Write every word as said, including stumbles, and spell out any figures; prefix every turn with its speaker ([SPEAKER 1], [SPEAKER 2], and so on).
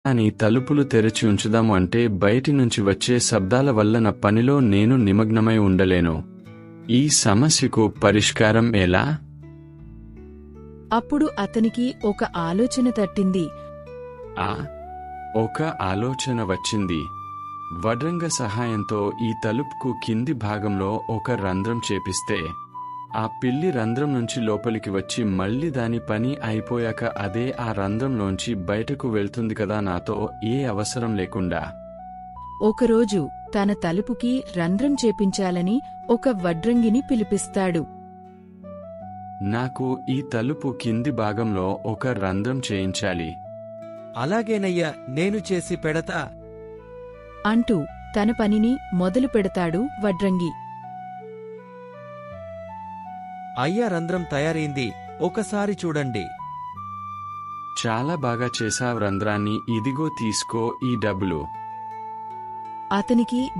[SPEAKER 1] అని తలుపులు తెరిచి ఉంచుదాము అంటే బయటి నుంచి వచ్చే శబ్దాల వల్ల నా పనిలో నేను నిమగ్నమై ఉండలేను. ఈ సమస్యకు పరిష్కారం ఎలా?
[SPEAKER 2] అప్పుడు అతనికి ఒక ఆలోచన తట్టింది.
[SPEAKER 1] ఆ ఒక ఆలోచన వచ్చింది. వడ్రంగ సహాయంతో ఈ తలుపుకు కింది భాగంలో ఒక రంధ్రం చేపిస్తే ఆ పిల్లి రంధ్రం నుంచి లోపలికి వచ్చి మళ్ళీ దాని పని అయిపోయాక అదే ఆ రంధ్రంలోంచి బయటకు వెళ్తుంది కదా, నాతో ఏ అవసరం లేకుండా.
[SPEAKER 2] ఒకరోజు తన తలుపుకి రంధ్రం చేపించాలని ఒక వడ్రంగిని పిలిపిస్తాడు.
[SPEAKER 1] నాకు ఈ తలుపు కింది భాగంలో ఒక రంధ్రం చేయించాలి.
[SPEAKER 3] అలాగేనయ్యా, నేను చేసి పెడతా
[SPEAKER 2] అంటూ తన పనిని మొదలు పెడతాడు వడ్రంగి.
[SPEAKER 3] అయ్యా, రంధ్రం తయారైంది, ఒకసారి చూడండి.
[SPEAKER 1] చాలా బాగా చేశావ్ రంధ్రాన్ని. ఇదిగో తీసుకో ఈ డబ్బులు.
[SPEAKER 2] అతనికి